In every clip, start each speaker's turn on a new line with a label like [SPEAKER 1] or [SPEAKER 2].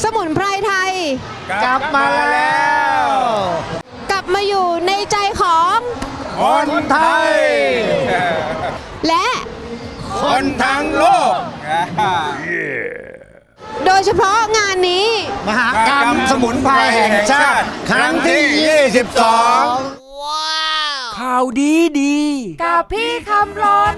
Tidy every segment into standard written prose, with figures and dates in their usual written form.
[SPEAKER 1] สมุนไพรไทย
[SPEAKER 2] กลับมาแล้ว
[SPEAKER 1] กลับมาอยู่ในใจของ
[SPEAKER 2] คนไทย
[SPEAKER 1] และ
[SPEAKER 2] คนทั้งโลก
[SPEAKER 1] โดยเฉพาะงานนี้
[SPEAKER 2] มหากรรมสมุนไพรแห่งชาติ ครั้งที่ 22
[SPEAKER 3] ข่าวดีดี
[SPEAKER 1] กับพี่คำรน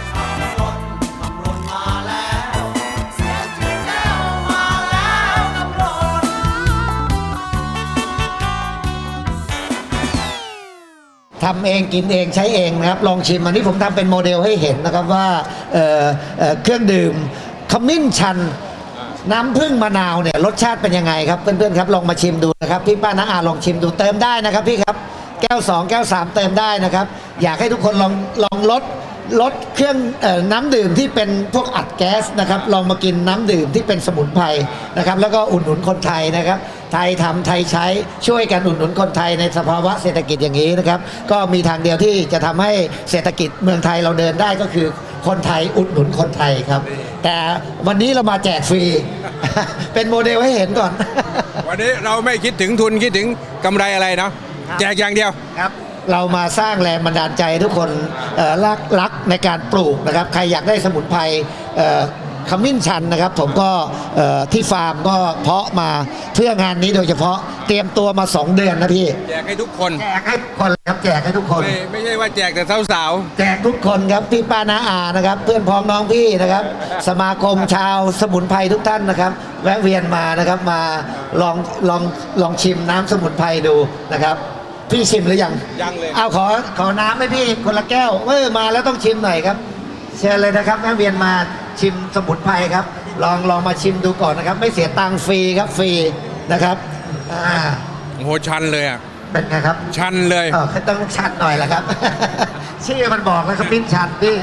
[SPEAKER 4] ทำเองกินเองใช้เองนะครับลองชิมอันนี้ผมทำเป็นโมเดลให้เห็นนะครับว่าเครื่องดื่มขมิ้นชันน้ำผึ้งมะนาวเนี่ยรสชาติเป็นยังไงครับเพื่อนๆครับลองมาชิมดูนะครับพี่ป้าน้าอาลองชิมดูเติมได้นะครับพี่ครับแก้ว2แก้ว3เติมได้นะครับอยากให้ทุกคนลองลดเครื่องน้ำดื่มที่เป็นพวกอัดแก๊สนะครับลองมากินน้ำดื่มที่เป็นสมุนไพรนะครับแล้วก็อุดหนุนคนไทยนะครับไทยทำไทยใช้ช่วยกันอุดหนุนคนไทยในสภาวะเศรษฐกิจอย่างนี้นะครับก็มีทางเดียวที่จะทำให้เศรษฐกิจเมืองไทยเราเดินได้ก็คือคนไทยอุดหนุนคนไทยครับแต่วันนี้เรามาแจกฟรี เป็นโมเดลให้เห็นก่อน
[SPEAKER 2] วันนี้เราไม่คิดถึงทุนคิดถึงกำไรอะไรเนาะแจกอย่างเดียว
[SPEAKER 4] ครับเรามาสร้างแรงบันดาลใจทุกคนรักในการปลูกนะครับใครอยากได้สมุนไพรขมิ้นชันนะครับผมก็ที่ฟาร์มก็เพาะมาเพื่องานนี้โดยเฉพาะเตรียมตัวมา2 เดือนนะพี่
[SPEAKER 2] แจกให้ทุกคน
[SPEAKER 4] แจกให้ทุกคนครับแจกให้ทุกคน
[SPEAKER 2] ไม่ใช่ว่าแจกแต่สาว
[SPEAKER 4] แจกทุกคนครับพี่ป้าน้าอานะครับเพื่อนพ้องน้องพี่นะครับสมาคมชาวสมุนไพรทุกท่านนะครับแวะเวียนมานะครับมาลองชิมน้ำสมุนไพรดูนะครับพี่ชิมหรือยัง
[SPEAKER 2] ยังเลย
[SPEAKER 4] เอาขอน้ำให้พี่คนละแก้วมาแล้วต้องชิมหน่อยครับเชิญเลยนะครับแวะเวียนมาชิมสมุนไพรครับลองมาชิมดูก่อนนะครับไม่เสียตังค์ฟรีครับฟรีนะครับ
[SPEAKER 2] ๆโอ้โหชันเลยอ่ะ
[SPEAKER 4] เป็นไงครับ
[SPEAKER 2] ชันเลย
[SPEAKER 4] ต้องชัดหน่อยแหละครับ ชื่อมันบอกแล้วครับปิ้นชัดพี่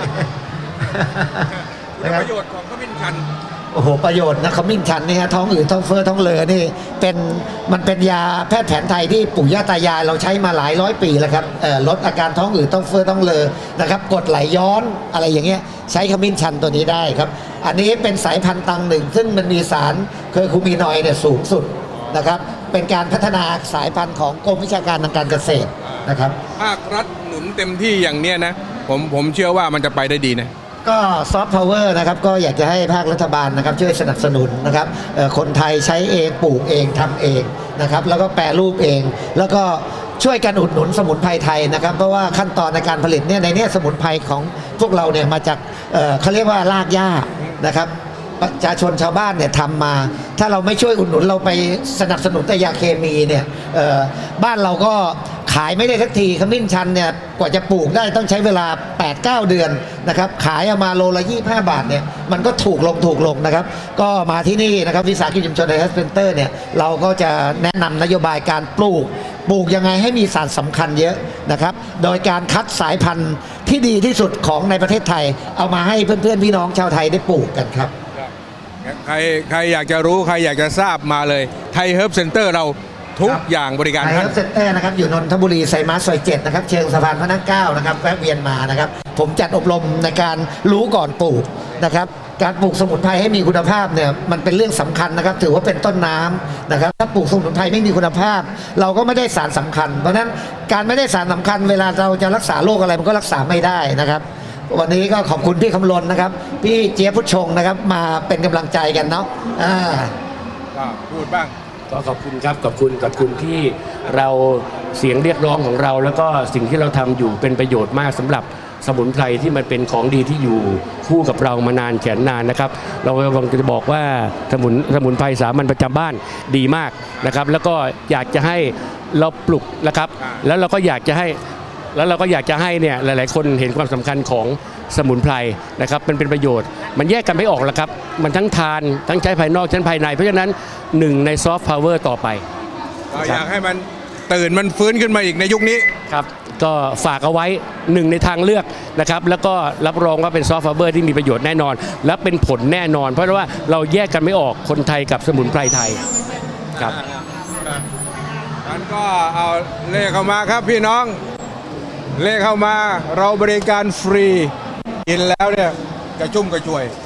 [SPEAKER 2] คุณประโยชน์ของขมิ้นชัน
[SPEAKER 4] โอ้โหประโยชน์นะขมิ้นชันนี่ฮะท้องอืดท้องเฟ้อท้องเลือนี่มันเป็นยาแพทย์แผนไทยที่ปู่ย่าตายายเราใช้มาหลายร้อยปีแล้วครับลดอาการท้องอืดท้องเฟ้อท้องเลือนะครับกดไหลย้อนอะไรอย่างเงี้ยใช้ขมิ้นชันตัวนี้ได้ครับอันนี้เป็นสายพันธุ์ตังหนึ่งซึ่งมันมีสารเคอร์คูมินอยด์เนี่ยสูงสุดนะครับเป็นการพัฒนาสายพันธุ์ของกรมวิชาการทางการเกษตรนะครับ
[SPEAKER 2] ภาครัฐหนุนเต็มที่อย่างเนี้ยนะผมเชื่อว่ามันจะไปได้ดีนะ
[SPEAKER 4] ก็ซอฟต์พาวเวอร์นะครับก็อยากจะให้ภาครัฐบาลนะครับช่วยสนับสนุนนะครับคนไทยใช้เองปลูกเองทำเองนะครับแล้วก็แปรรูปเองแล้วก็ช่วยกันอุดหนุนสมุนไพรไทยนะครับเพราะว่าขั้นตอนในการผลิตเนี่ยในนี้สมุนไพรของพวกเราเนี่ยมาจากเขาเรียกว่ารากหญ้านะครับประชาชนชาวบ้านเนี่ยทำมาถ้าเราไม่ช่วยอุดหนุนเราไปสนับสนุนแต่ยาเคมีเนี่ยบ้านเราก็ขายไม่ได้สักทีขมิ้นชันเนี่ยกว่าจะปลูกได้ต้องใช้เวลา 8-9 เดือนนะครับขายเอามาโลละ25 บาทเนี่ยมันก็ถูกลงนะครับก็มาที่นี่นะครับวิสาหกิจชุมชนไทยเฮลท์เซ็นเตอร์เนี่ยเราก็จะแนะนำนโยบายการปลูกยังไงให้มีสารสำคัญเยอะนะครับโดยการคัดสายพันธุ์ที่ดีที่สุดของในประเทศไทยเอามาให้เพื่อนๆพี่น้องชาวไทยได้ปลูกกันครับ
[SPEAKER 2] ใครอยากจะรู้ใครอยากจะทราบมาเลยไทยเฮิร์บเซ็นเตอร์เราทุกอย่างบริการ
[SPEAKER 4] ไทยเฮิร์บเซ็นเตอร์นะครับอยู่นนทบุรีไซมัสซอย7นะครับเชิงสะพานพระนั่ง9นะครับแวะเวียนมานะครับผมจัดอบรมในการรู้ก่อนปลูกนะครับการปลูกสมุนไพรให้มีคุณภาพเนี่ยมันเป็นเรื่องสำคัญนะครับถือว่าเป็นต้นน้ำนะครับถ้าปลูกสมุนไพรไม่มีคุณภาพเราก็ไม่ได้สารสำคัญเพราะฉะนั้นการไม่ได้สารสำคัญเวลาเราจะรักษาโรคอะไรมันก็รักษาไม่ได้นะครับวันนี้ก็ขอบคุณพี่คำลนนะครับพี่เจี๊ยบพุทธชงนะครับมาเป็นกำลังใจกันเนาะ
[SPEAKER 2] พูดบ้าง
[SPEAKER 3] ก็ขอบคุณครับขอบคุณที่เราเสียงเรียกร้องของเราแล้วก็สิ่งที่เราทำอยู่เป็นประโยชน์มากสำหรับสมุนไพรที่มันเป็นของดีที่อยู่คู่กับเรามานานแสนนานนะครับเรากำลังจะบอกว่าสมุนไพรสามัญประจำบ้านดีมากนะครับแล้วก็อยากจะให้เราปลุกนะครับแล้วเราก็อยากจะให้เนี่ยหลายๆคนเห็นความสำคัญของสมุนไพรนะครับเป็นประโยชน์มันแยกกันไม่ออกแล้วครับมันทั้งทานทั้งใช้ภายนอกใช้ภายในเพราะฉะนั้นหนึ่งในซอฟต์พาวเวอร์ต่อไป
[SPEAKER 2] อยากให้มันตื่นมันฟื้นขึ้นมาอีกในยุคนี้
[SPEAKER 3] ครับก็ฝากเอาไว้หนึ่งในทางเลือกนะครับแล้วก็รับรองว่าเป็นซอฟต์พาวเวอร์ที่มีประโยชน์แน่นอนและเป็นผลแน่นอนเพราะว่าเราแยกกันไม่ออกคนไทยกับสมุนไพรไทยครับ
[SPEAKER 2] งั้นก็เอาเลขเข้ามาครับพี่น้องเลขเข้ามาเราบริการฟรีกินแล้วเนี่ยกระชุ่มกระชวย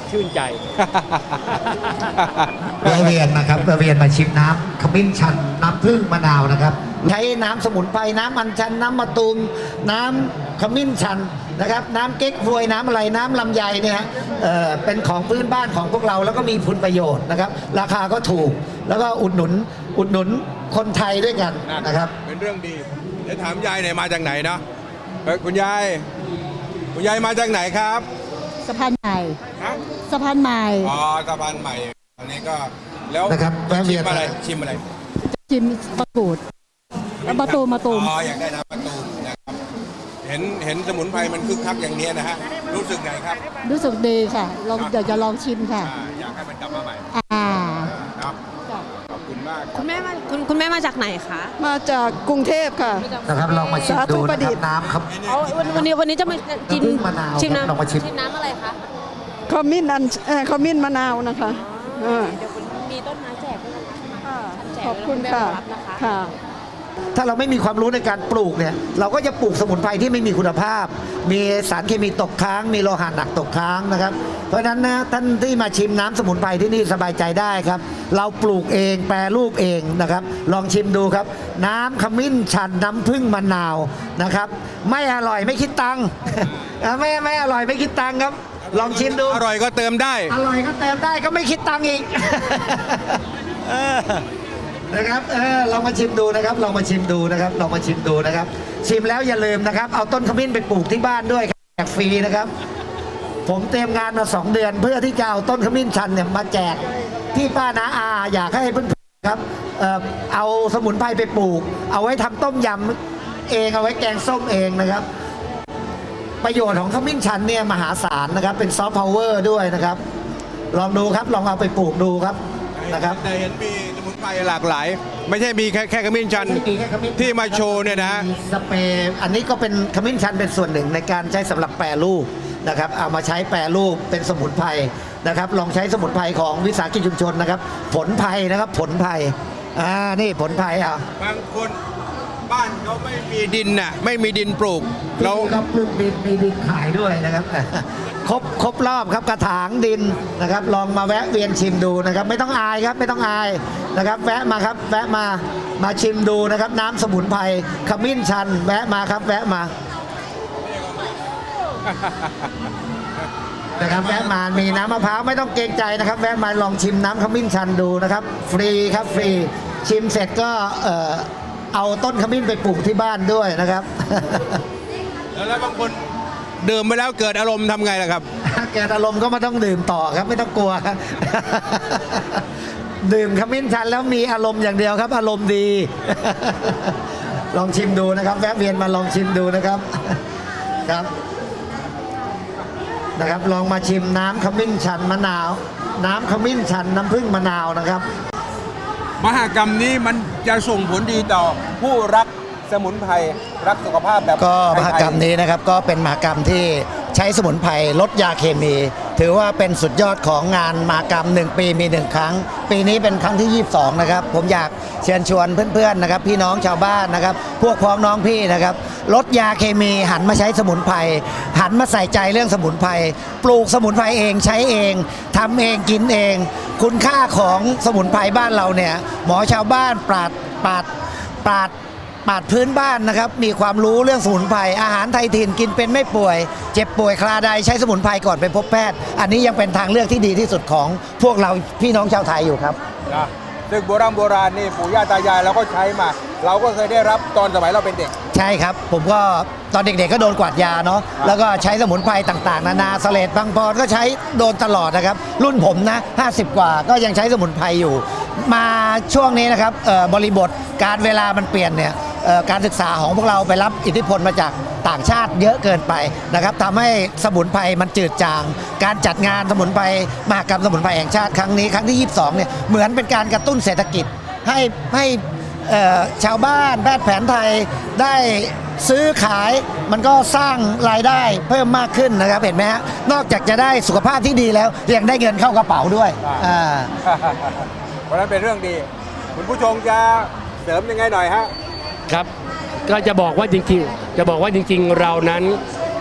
[SPEAKER 3] ชื่นใจ
[SPEAKER 4] แวะเวียนนะครับแวะเวียนมาชิมน้ำขมิ้นชันน้ำผึ้งมะนาวนะครับใช้น้ำสมุนไพรน้ำอัญชันน้ำมะตูมน้ำขมิ้นชันนะครับน้ำเก๊กฮวยน้ำอะไรน้ำลำไยเนี่ยฮะเป็นของพื้นบ้านของพวกเราแล้วก็มีคุณประโยชน์นะครับราคาก็ถูกแล้วก็อุดหนุนคนไทยด้วยกันนะครับ
[SPEAKER 2] เป็นเรื่องดีเดี๋ยวถามยายหน่อยมาจากไหนเนาะคุณยายมาจากไหนครับ
[SPEAKER 5] สะพานใหม่
[SPEAKER 2] ฮะ
[SPEAKER 5] สะพานใหม่
[SPEAKER 2] อ๋อสะพานใหม่อันนี้ก็แล้ว
[SPEAKER 4] นะครับแวะเวี
[SPEAKER 2] ชิ
[SPEAKER 4] ยน
[SPEAKER 2] มอะไรชิมอะไร
[SPEAKER 5] ชิมมะกรูดแล้วมะตูม
[SPEAKER 2] อ๋ออยากได้น้ำมะตูมนะครับเห็นสมุนไพรมันคึกคักอย่างเนี้ยนะฮะรู้สึกไงครับ
[SPEAKER 5] รู้สึกดีค่ะลองเดี๋ยวจะลองชิมค่ะ
[SPEAKER 2] อยากให้มันกลับมาใหม่
[SPEAKER 5] อ่า
[SPEAKER 2] เนาะขอบคุณมาก
[SPEAKER 1] คุณแม่มาคุณแม่มาจากไหนคะ
[SPEAKER 6] มาจากกรุงเทพค่ะ
[SPEAKER 4] นะครับลองมาชิมดูนะครับน้ำครับ
[SPEAKER 1] เอาวันนี้จะมากิน
[SPEAKER 4] น้ำผึ้งมะนาว
[SPEAKER 1] ชิม
[SPEAKER 4] ครับลองมาชิม
[SPEAKER 1] น้ำอะไรคะ
[SPEAKER 6] ขมิ้นขมิ้นมะนาวนะคะอ่า
[SPEAKER 1] เดี๋ยวมีต้นไม้แจกด้วยนะคะ
[SPEAKER 6] ขอบคุณค่ะ
[SPEAKER 1] รับนะคะ
[SPEAKER 6] ค่ะ
[SPEAKER 4] ถ้าเราไม่มีความรู้ในการปลูกเนี่ยเราก็จะปลูกสมุนไพรที่ไม่มีคุณภาพ มีสารเคมีตกค้าง มีโลหะหนักตกค้างนะครับ เพราะฉะนั้นนะท่านที่มาชิมน้ำสมุนไพรที่นี่สบายใจได้ครับ เราปลูกเองแปรรูปเองนะครับ ลองชิมดูครับ น้ำขมิ้นชันน้ำผึ้งมะนาวนะครับ ไม่อร่อยไม่คิดตังค์ ไม่อร่อยไม่คิดตังค์ครับ ลองชิมดู
[SPEAKER 2] อร่อยก็เติมได้
[SPEAKER 4] อร่อยก็เติมได้ก็ไม่คิดตังค์อีก นะครับลองมาชิมดูนะครับลองมาชิมดูนะครับลองมาชิมดูนะครับ ชิมแล้วอย่าลืมนะครับ เอาต้นขมิ้นไปปลูกที่บ้านด้วยครับแจกฟรีนะครับ ผมเตรียมงานมา2 เดือน เพื่อที่จะเอาต้นขมิ้นชันเนี่ยมาแจกที่ป้านาอาอยากให้เพื่อนๆครับเอาสมุนไพรไปปลูก เอาไว้ทำต้มยำเองเอาไว้แกงส้มเองนะครับ ประโยชน์ของขมิ้นชันเนี่ยมหาศาลนะครับ เป็นซอฟต์พาวเวอร์ด้วยนะครับ ลองดูครับลองเอาไปปลูกดูครับนะครับ
[SPEAKER 2] แต่เห็นมีสมุนไพรหลากหลาย ไม่ใช่มีแค่ขมิ้นชันที่มาโชว์เนี่ยนะฮะ
[SPEAKER 4] มีสเปรย์อันนี้ก็เป็นขมิ้นชันเป็นส่วนหนึ่งในการใช้สำหรับแปรรูปนะครับเอามาใช้แปรรูปเป็นสมุนไพรนะครับลองใช้สมุนไพรของวิสาหกิจชุมชนนะครับผลไพรนะครับผลไพรนี่ผลไพร
[SPEAKER 2] บางคนบ้านเขาไม่มีดินน่ะไม่มีดินปลูกเรา
[SPEAKER 4] ก็ปลูกดินมีดินขายด้วยนะครับ ครบรอบครับกระถางดินนะครับ ลองมาแวะเวียนชิมดูนะครับ ไม่ต้องอายครับไม่ต้องอายนะครับ แวะมาครับแวะมาชิมดูนะครับ น้ำสมุนไพรขมิ้นชันแวะมาครับแวะมานะครับแวะมามีน้ำมะพร้าวไม่ต้องเกรงใจนะครับ แวะมาลองชิมน้ำขมิ้นชันดูนะครับ ฟรีครับฟรีชิมเสร็จก็เอาต้นขมิ้นไปปลูกที่บ้านด้วยนะครับ
[SPEAKER 2] แล้วบางคนดื่มไปแล้วเกิดอารมณ์ทำไงล่ะครับ
[SPEAKER 4] เกิดอารมณ์ก็ไม่ต้องดื่มต่อครับไม่ต้องกลัวครับ ดื่มขมิ้นชันแล้วมีอารมณ์อย่างเดียวครับ อารมณ์ดี ลองชิมดูนะครับ แวะเวียนมาลองชิมดูนะครับครับนะครับ ลองมาชิมน้ำขมิ้นชันมะนาว น้ำขมิ้นชันน้ำผึ้งมะนาวนะครับ
[SPEAKER 2] มหกรรมนี้มันจะส่งผลดีต่อผู้รักสมุนไพรรักสุขภาพแบบ
[SPEAKER 4] ก็ม
[SPEAKER 2] ไทยๆ
[SPEAKER 4] หกรรมนี้นะครับก็เป็นมหกรรมที่ใช้สมุนไพรลดยาเคมี ถือว่าเป็นสุดยอดของงานมหกรรม1 ปีมี 1 ครั้ง ปีนี้เป็นครั้งที่ 22 นะครับ ผมอยากเชิญชวนเพื่อนๆนะครับพี่น้องชาวบ้านนะครับ พวกพ้องน้องพี่นะครับลดยาเคมีหันมาใช้สมุนไพรหันมาใส่ใจเรื่องสมุนไพรปลูกสมุนไพรเองใช้เองทำเองกินเอง คุณค่าของสมุนไพรบ้านเราเนี่ยหมอชาวบ้านปราดพื้นบ้านนะครับมีความรู้เรื่องสมุนไพรอาหารไทยถิ่นกินเป็นไม่ป่วย เจ็บป่วยคลาใดใช้สมุนไพรก่อนไปพบแพทย์ อันนี้ยังเป็นทางเลือกที่ดีที่สุดของพวกเราพี่น้องชาวไทยอยู่ครับ
[SPEAKER 2] นะซึ่งโบราณนี่ปู่ย่าตายายเราก็ใช้มา เราก็เคยได้รับตอนสมัยเราเป็นเด็ก
[SPEAKER 4] ใช่ครับ ผมก็ตอนเด็กๆก็โดนกวาดยาเนาะแล้วก็ใช้สมุนไพรต่างๆนานาสเลดบางปอนก็ใช้โดนตลอดนะครับรุ่นผมนะ50 กว่าก็ยังใช้สมุนไพรอยู่ มาช่วงนี้นะครับบริบทการเวลามันเปลี่ยนเนี่ยการศึกษาของพวกเราไปรับอิทธิพลมาจากต่างชาติเยอะเกินไปนะครับทำให้สมุนไพรมันจืดจาง การจัดงานสมุนไพรมหกรรมสมุนไพรแห่งชาติครั้งนี้ครั้งที่ 22เนี่ยเหมือนเป็นการกระตุ้นเศรษฐกิจให้ชาวบ้านแพทย์แผนไทยได้ซื้อขายมันก็สร้างรายได้เพิ่มมากขึ้นนะครับเห็นไหมฮะนอกจากจะได้สุขภาพที่ดีแล้วยังได้เงินเข้ากระเป๋าด้วย
[SPEAKER 2] เพราะฉะนั้นเป็นเรื่องดี คุณผู้ชมจะเสริมยังไงหน่อยฮะ
[SPEAKER 3] ครับก็จะบอกว่าจริงๆเรานั้น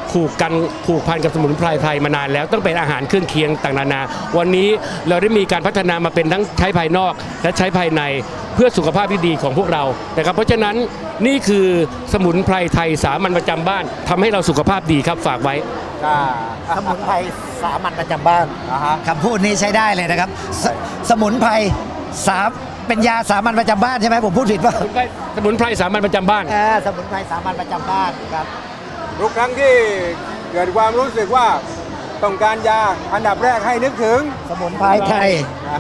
[SPEAKER 3] ผูกพันกับสมุนไพรไทยมานานแล้วต้องเป็นอาหารเครื่องเคียงต่างนานาวันนี้เราได้มีการพัฒนามาเป็นทั้งใช้ภายนอกและใช้ภายในเพื่อสุขภาพที่ดีของพวกเรานะครับเพราะฉะนั้นนี่คือสมุนไพรไทยสามัญประจำบ้านทำให้เราสุขภาพดีครับฝากไว้
[SPEAKER 4] สมุนไพรสามัญประจำบ้านคำพูดนี้ใช้ได้เลยนะครับสมุนไพรเป็นยาสามัญประจำบ้านใช่ไหมผมพูดผิดป่ะ
[SPEAKER 3] สมุนไพรสามัญประจำบ้าน
[SPEAKER 4] สมุนไพรสามัญประจำบ้านครับ
[SPEAKER 2] ทุกครั้งที่เกิดความรู้สึกว่าต้องการยาอันดับแรกให้นึกถึง
[SPEAKER 4] สมุนไพรไทย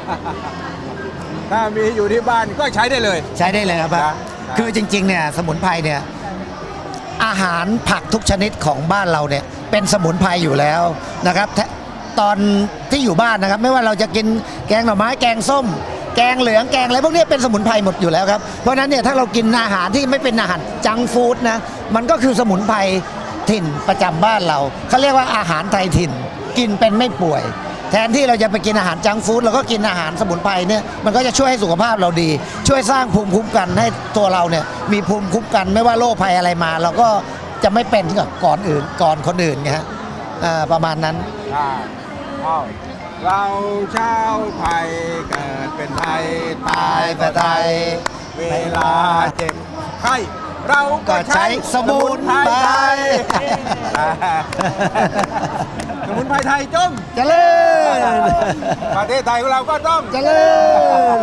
[SPEAKER 2] ถ้ามีอยู่ที่บ้านก็ใช้ได้เลย
[SPEAKER 4] ใช้ได้เลยครับ คือจริงๆเนี่ยสมุนไพรเนี่ยอาหารผักทุกชนิดของบ้านเราเนี่ยเป็นสมุนไพรอยู่แล้วนะครับตอนที่อยู่บ้านนะครับไม่ว่าเราจะกินแกงหน่อไม้แกงส้ม แกงเหลืองแกงอะไรพวกนี้เป็นสมุนไพรหมดอยู่แล้วครับเพราะฉะนั้นเนี่ยถ้าเรากินอาหารที่ไม่เป็นอาหารจังก์ฟู้ดนะมันก็คือสมุนไพรถิ่นประจำบ้านเราเขาเรียกว่าอาหารไทยถิ่นกินเป็นไม่ป่วย แทนที่เราจะไปกินอาหารจังก์ฟู้ดเราก็กินอาหารสมุนไพรเนี่ยมันก็จะช่วยให้สุขภาพเราดี ช่วยสร้างภูมิคุ้มกันให้ตัวเราเนี่ยมีภูมิคุ้มกันไม่ว่าโรคภัยอะไรมา เราก็จะไม่เป็นกับก่อนคนอื่นไงฮะประมาณนั้น
[SPEAKER 2] เราชาวไทยเกิดเป็นไทยตายเป็นไทยเวลาเจ็บไข้เราก็ใช้สมุนไพรไทยสมุนไพรไทยจง
[SPEAKER 4] เจริญ
[SPEAKER 2] ประเทศไทยของเราก็ต้อง
[SPEAKER 4] เจริญ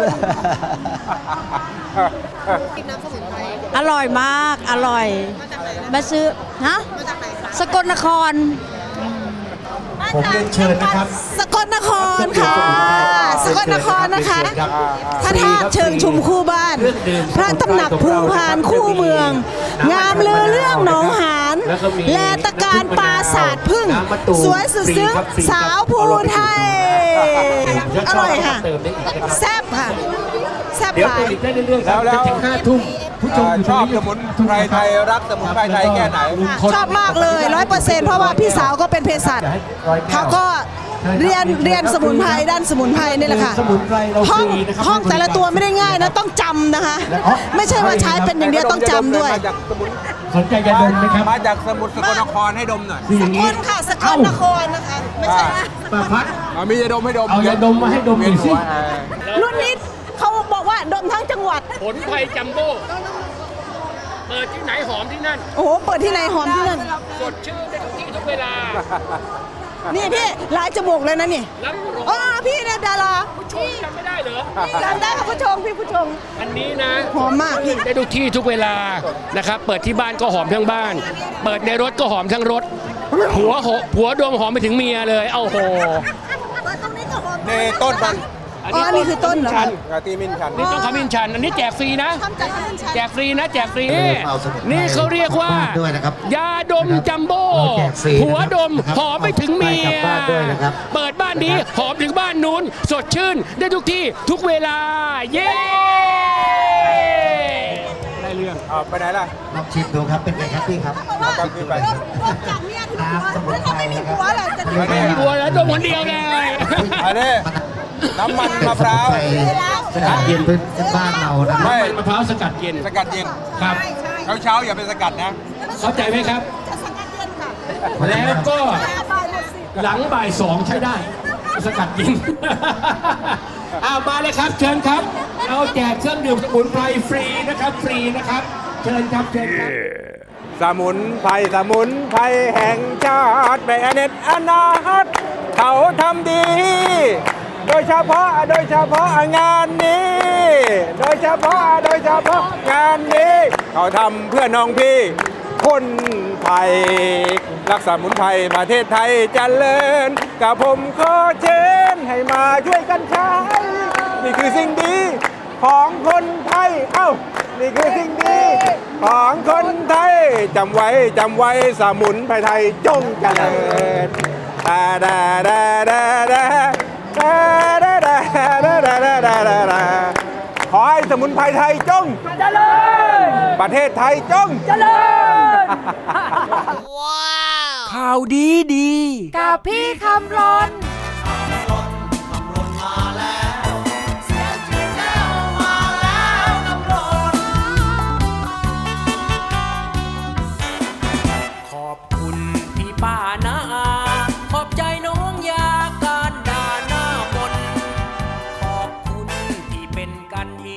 [SPEAKER 5] อร่อยมาก อร่อย มาซื้อฮะสกลนคร
[SPEAKER 4] ผมเรียนเชิญนะครับ
[SPEAKER 5] สกลนครค่ะ สกลนครนะคะพระธาตุเชิงชุมคู่บ้าน พระตำหนักภูพานคู่เมือง งามลือเรื่องหนองหานแลตะการปราสาทพึ่ง สวยสุดซึ้งสาวภูไทย อร่อยค่ะ แซ่บค่ะ แซ่บ
[SPEAKER 3] เดี๋ยว
[SPEAKER 5] หลาย
[SPEAKER 3] ติดได้เรื่อยๆครับ
[SPEAKER 2] แล้ว
[SPEAKER 3] จนถึง5 ทุ่มผู้ชมอยู่
[SPEAKER 2] ชอบ
[SPEAKER 3] ต
[SPEAKER 2] ส
[SPEAKER 3] รง
[SPEAKER 2] มุนไพรไทยรักสมุนไพรไทยแค่ไหน
[SPEAKER 5] ชอบมากเลย 100%เพราะว่าพี่สาวก็เป็นเภสัชเขาก็เรียนสมุนไพรด้านสมุนไพรนี่แหละค่ะ
[SPEAKER 3] สมุนไพรเรา
[SPEAKER 5] ห้อง
[SPEAKER 3] ฟรีนะครับ
[SPEAKER 5] ห้องแต่ละตัวไม่ได้ง่ายนะต้องจำนะคะ ไม่ใช่ว่าใช้เป็นอย่างเดียวต้องจำด้วย
[SPEAKER 2] มาจากสมุน
[SPEAKER 3] สนใจยาดมไหมครับ
[SPEAKER 2] มาจากสมุทรสกลนครให้ดมหน่อย
[SPEAKER 3] คืออย่าง
[SPEAKER 5] ค
[SPEAKER 3] นี้
[SPEAKER 5] นค่ะสกลนครนะคะไม่ใช่
[SPEAKER 3] ป้าพัด
[SPEAKER 2] มียาดมให้ดม
[SPEAKER 3] เอายาดมมาให้ดมหน่อยสิ
[SPEAKER 5] รุ่นนี้เขาบอกว่าดมทั้งจังหวัด
[SPEAKER 3] ผลไพรจัมโบ้เปิดที่ไหนหอมที่นั่น
[SPEAKER 5] โอ้โหเปิดที่ไหนหอมที่นั่น
[SPEAKER 3] สดชื่นได้ทุกที่ทุกเวลา
[SPEAKER 5] นี่พี่หลายจมูกเลยนะนี่
[SPEAKER 3] รับรอง
[SPEAKER 5] อ๋อพี่เนี่ยดารา
[SPEAKER 3] ชมจำไม่ได้เหรอ
[SPEAKER 5] จำได้ค่ะผู้ชมพี่ผู้ชม
[SPEAKER 3] อันนี้นะ
[SPEAKER 5] หอมมากพี่
[SPEAKER 3] ได้ทุกที่ทุกเวลานะครับ เปิดที่บ้านก็หอมทั้งบ้าน เปิดในรถก็หอมทั้งรถ ผัวดมหอมไปถึงเมียเลย เอ้าโห
[SPEAKER 2] นี่ต้นมัน
[SPEAKER 5] อ๋อนี่คือต้นเหรอคะ
[SPEAKER 2] กะตีมินชัน
[SPEAKER 3] นี่ต้องขมิ้นชัน อันนี้แจกฟรีนะ
[SPEAKER 5] ทำจากข้าวชัน
[SPEAKER 3] แจกฟรีนะแจกฟรีนี่เขาเรียกว่า
[SPEAKER 4] ด้วยนะครับ
[SPEAKER 3] ยาดมจัมโบ้
[SPEAKER 4] แจกฟรีนะครับ
[SPEAKER 3] หัวดมหอมไปถึงเมี
[SPEAKER 4] เอา
[SPEAKER 3] ย
[SPEAKER 4] กลับบ้านด้วยนะครับ
[SPEAKER 3] เปิดบ้านนี้หอมถึงบ้านนู้น สดชื่นได้ทุกที่ทุกเวลา เย้ได้เรื่อง
[SPEAKER 2] ไปไหนล่ะ
[SPEAKER 4] ลองชิมดูครับเป็นไงครับพี่ครับ
[SPEAKER 2] เอาไปขึ้นไป
[SPEAKER 5] จากเมียถึงหัวแล้วถ้าไม่มีหัวล่ะจะ
[SPEAKER 3] ไม่มีหัวแล้วดมคนเดียวเลย
[SPEAKER 2] อันนี้น้ำมันมะพร้าว
[SPEAKER 4] สกัดเย็นพื้นบ้านเรานะค
[SPEAKER 2] ไม่
[SPEAKER 4] รับ
[SPEAKER 3] มะพร้าวสกัดเย็น
[SPEAKER 2] สกัดเย็น
[SPEAKER 3] ครับ
[SPEAKER 2] เช้าอย่าไปสกัดนะ
[SPEAKER 3] เข้าใจไหมครับ
[SPEAKER 5] จะสกัดเย็นค่ะ
[SPEAKER 3] แล้วก็
[SPEAKER 5] บ่ายหมดสิ
[SPEAKER 3] หลังบ่าย 2 ใช้ได้ สกัดเย็น เอามาเลยครับ เชิญครับ เราแจกเครื่องดื่มสมุนไพรฟรีนะครับ ฟรีนะครับ เชิญครับเชิญครับ
[SPEAKER 2] สมุนไพรแห่งชาติแม่เน็ตอนาตเขาทำดี โดยเฉพาะงานนี้ โดยเฉพาะงานนี้ เขาทำเพื่อน้องพี่คนไทย รักสมุนไพรประเทศไทยเจริญกับผมขอเชิญให้มาช่วยกันใช้ นี่คือสิ่งดีของคนไทย เอ้า นี่คือสิ่งดีของคนไทย จำไว้สมุนไพรไทยจงเจริญดาดาดาดาดาดาดาดาดาดาดาดาดาดาขอให้สมุนไพรไทยจงเจริญประเทศไทยจงเจริญ
[SPEAKER 7] ข่าวดีดี
[SPEAKER 5] กับพี่คำรน
[SPEAKER 7] ขอบคุณที่กันที